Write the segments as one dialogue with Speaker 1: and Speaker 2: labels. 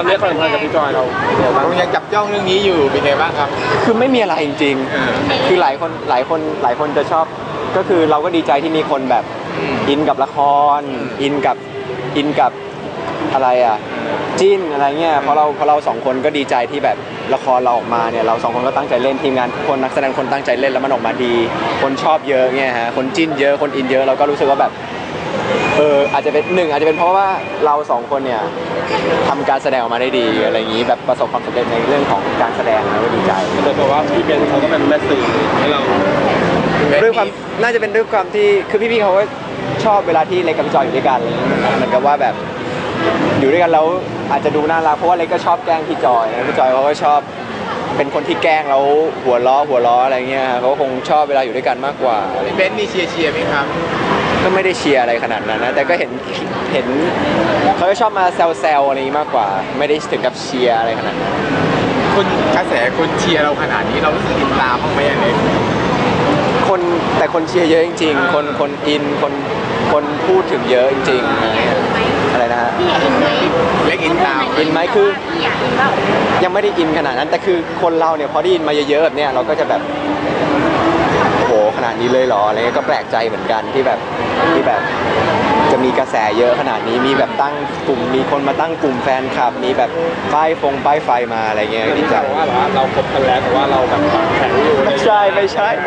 Speaker 1: เรื่องความสัมพันธ์กับพี่จอยเรา
Speaker 2: ยังจับจ้องเรื่องนี้อยู่เป็นไงบ้างครับ
Speaker 3: คือไม่มีอะไรจริงๆคือหลายคนจะชอบก็คือเราก็ดีใจที่มีคนแบบอินกับละครอินกับอะไรอ่ะจิ้นอะไรเงี้ยเพราะเราสองคนก็ดีใจที่แบบละครเราออกมาเนี่ยเราสองคนก็ตั้งใจเล่นทีมงานคนนักแสดงคนตั้งใจเล่นแล้วมันออกมาดีคนชอบเยอะเงี้ยฮะคนจิ้นเยอะคนอินเยอะเราก็รู้สึกว่าแบบอาจจะเป็นเพราะว่าเราสองคนเนี่ยทำการแสดงออกมาได้ดีอะไรอย่างนี้แบบประสบความสำเร็จในเรื่องของการแสดงแล้วก็ดีใจ
Speaker 1: แต่เพราะว่าพี่เบนเขาก็เป็นแม่สื่อให้เรา
Speaker 3: ด้วยความน่าจะเป็นด้วยความที่คือพี่เขาก็ชอบเวลาที่เล็กกับพี่จอยอยู่ด้วยกันเหมือนกับว่าแบบอยู่ด้วยกันแล้วอาจจะดูน่ารักเพราะว่าเล็กก็ชอบแกล้งพี่จอยนะพี่จอยเขาก็ชอบเป็นคนที่แกล้งแล้วหัวล้ออะไรเงี้ยเขาคงชอบเวลาอยู่ด้วยกันมากกว่า
Speaker 2: เบนมีเชียร์ไหมครับ
Speaker 3: ก็ไม่ได้เชียร์อะไรขนาดนั้นนะแต่ก็เห็นเขาก็ชอบมาแซวอะไรมากกว่าไม่ได้ถึงกับเชียร์อะไรขนาดนั้น
Speaker 2: คนกระแสคนเชียร์เราขนาดนี้เรารู้สึกอินตามบ้างไหมอันนี้
Speaker 3: แต่คนเชียร์เยอะจริงๆคนอินคนพูดถึงเยอะจริงๆอะไรนะฮะ
Speaker 2: เล็กอินตาม
Speaker 3: อินไหมคือยังไม่ได้อินขนาดนั้นแต่คือคนเราเนี่ยพอได้ยินมาเยอะๆแบบเนี้ยเราก็จะแบบโอ้โหขนาดนี้เลยเหรออะไรเงี้ยก็แปลกใจเหมือนกันที่แบบจะมีกระแสเยอะขนาดนี้มีแบบตั้งกลุ่มมีคนมาตั้งกลุ่มแฟนคลับมีแบบป้ายไฟมาอะไรเงี้ย
Speaker 1: ดีใจว่าเราคบกันแล้วแต่ว่าเราแบบแข็งอยู่
Speaker 3: ไม่ใช่ไม่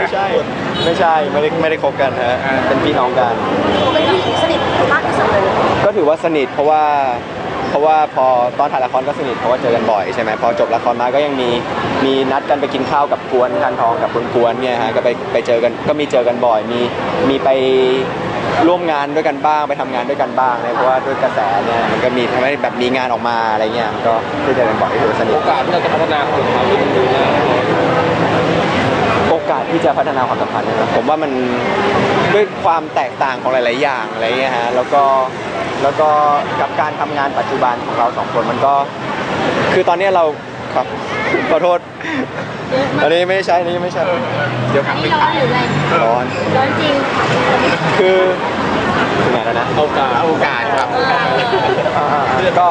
Speaker 3: ได้คบกันฮะเป็นพี่น้องกัน
Speaker 4: สนิทมากที่สุดเลย
Speaker 3: ก็ถือว่าสนิทเพราะว่าพอตอนถ่ายละครก็สนิทเพราะว่าเจอกันบ่อยใช่ไหมพอจบละครมาก็ยังมีนัดกันไปกินข้าวกับกวนทานทองกับกวนเนี่ยฮะก็ไปเจอกันก็มีเจอกันบ่อยมีไปร่วมงานด้วยกันบ้างไปทำงานด้วยกันบ้างเนี่ยเพราะว่าด้วยกระแสเนี่ยมันก็มีทำให้แบบมีงานออกมาอะไรเงี้ยก็ได้เจอกันบ่อยถือว่าสนิท
Speaker 1: โอกาสที่เราจะพัฒนาความสัมพันธ์
Speaker 3: โอกาสที่จะพัฒนาความสัมพันธ์นะครับผมว่ามันด้วยความแตกต่างของหลายๆอย่างอะไรเงี้ยฮะแล้วก็กับการทำงานปัจจุบันของเราสองคนมันก็คือตอนนี้เราครับขอโทษอันนี้ไม่ใช่เดี๋ยว
Speaker 4: อันนี้ร้อนหรืออะไร
Speaker 3: ร้อน
Speaker 4: จริง
Speaker 3: คือถึงไหนแล้วนะ
Speaker 2: โอกาสครับ
Speaker 3: ก็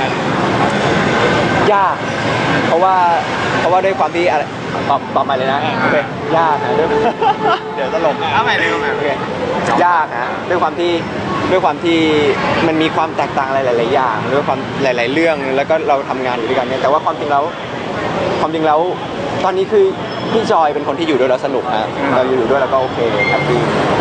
Speaker 3: ยากเพราะว่าด้วยความที่อะไรตอบใหม่เลยนะโอเคยากนะด้วยเดี๋ยวตลก
Speaker 2: เอาใหม่เลยโอเค
Speaker 3: ยากนะด้วยความที่มันมีความแตกต่างอะไรหลายๆอย่างด้วยความหลายๆเรื่องแล้วก็เราทำงานอยู่ด้วยกันเนี่ยแต่ว่าความจริงแล้วตอนนี้คือพี่จอยเป็นคนที่อยู่ด้วยแล้วสนุกฮะเราอยู่ด้วยแล้วก็โอเคแฮปปี้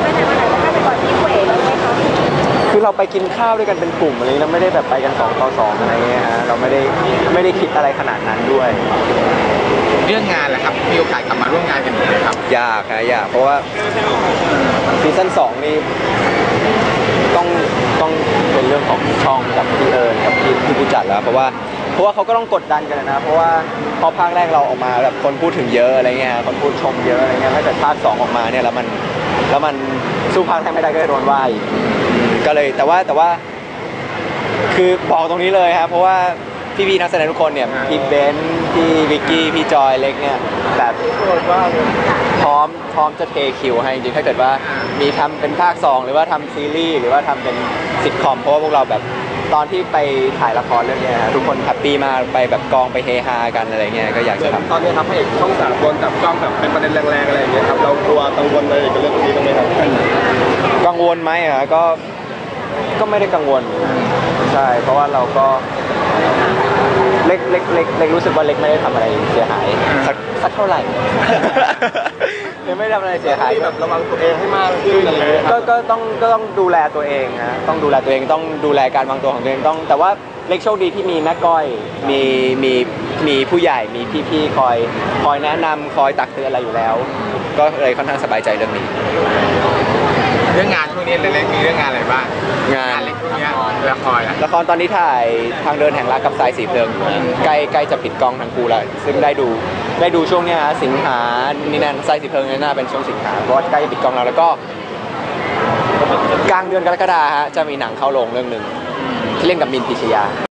Speaker 3: คือเราไปกินข้าวด้วยกันเป็นกลุ่มอะไรแล้วไม่ได้แบบไปกัน2 ต่อ 2อะไรเงี้ยฮะเราไม่ได้คิดอะไรขนาดนั้นด้วย
Speaker 2: เรื่องงานแหละครับมีโอกาสกลับมาร่วมงานกันอีกไหมครับ
Speaker 3: ยากเพราะว่าซีซั่น2นี่ต้องเป็นเรื่องของช่องกับพี่กับพี่ผู้จัดแล้วเพราะว่าเขาก็ต้องกดดันกันนะเพราะว่าพอภาคแรกเราออกมาแบบคนพูดถึงเยอะอะไรเงี้ยคนพูดชมเยอะอะไรเงี้ยถ้าเกิดภาค2ออกมาเนี่ยแล้วมันสู้ภาคแรกไม่ได้ก็โดนว่าอีกก็เลยแต่ว่าคือบอกตรงนี้เลยครับเพราะว่าพี่นักแสดงทุกคนเนี่ยพี่เบนซ์พี่วิกกี้พี่จอยเล็กเนี่ยแบบพร้อมจะเทคิวให้จริงๆถ้าเกิดว่ามีทำเป็นภาค2หรือว่าทำซีรีส์หรือว่าทำเป็นซิทคอมเพราะว่าพวกเราแบบตอนที่ไปถ่ายละครเรื่องนี้ทุกคนแฮปปี้มากไปแบบกองไปเฮฮากันอะไรเงี้ยก็อยากจะทำ
Speaker 1: ตอนนี้ครับพระเอกช่อง3โดนจับจ้องแบบเป็นประเด็นแรงๆอะไรอย่างเงี้ยครับเรากลัวกังวลอะไรกับเรื่องนี้บ้างไหมครับ
Speaker 3: กังวลไหมก็ไม่ได้กังวลใช่เพราะว่าเราก็เล็กรู้สึกว่าเล็กไม่ได้ทำอะไรเสียหายสักเท่าไหร่ยังไม่ทำอะไรเสียหาย
Speaker 1: แบบระวังตัวเองให้มากขึ้นอะไรเงี้ย
Speaker 3: ก็ต้องดูแลตัวเองฮะต้องดูแลตัวเองต้องดูแลการวางตัวของตัวเองต้องแต่ว่าเล็กโชคดีที่มีแม่ก้อยมีผู้ใหญ่มีพี่ๆคอยแนะนำคอยตักเตือนอะไรอยู่แล้วก็เลยค่อนข้างสบายใจเรื่องนี้
Speaker 2: เรื่องงานช่วงนี้เล็กๆมีเรื่องงานอะไรบ้าง
Speaker 3: งาน
Speaker 2: เล็กช่วงนี้ละคร
Speaker 3: ตอนนี้ถ่ายทางเดินแห่งรักกับสายสีเพลิงอยู่ใกล้จะปิดกล้องทั้งคู่แล้วซึ่งได้ดูช่วงนี้ฮะสิงหานี่นั่นสายสีเพลิงนี่น่าเป็นช่วงสิงหาเพราะว่าใกล้จะปิดกล้องแล้วก็กลางเดือนกรกฎาคมฮะจะมีหนังเข้าโรงเรื่องนึงที่เล่นกับมินท์ พิชยา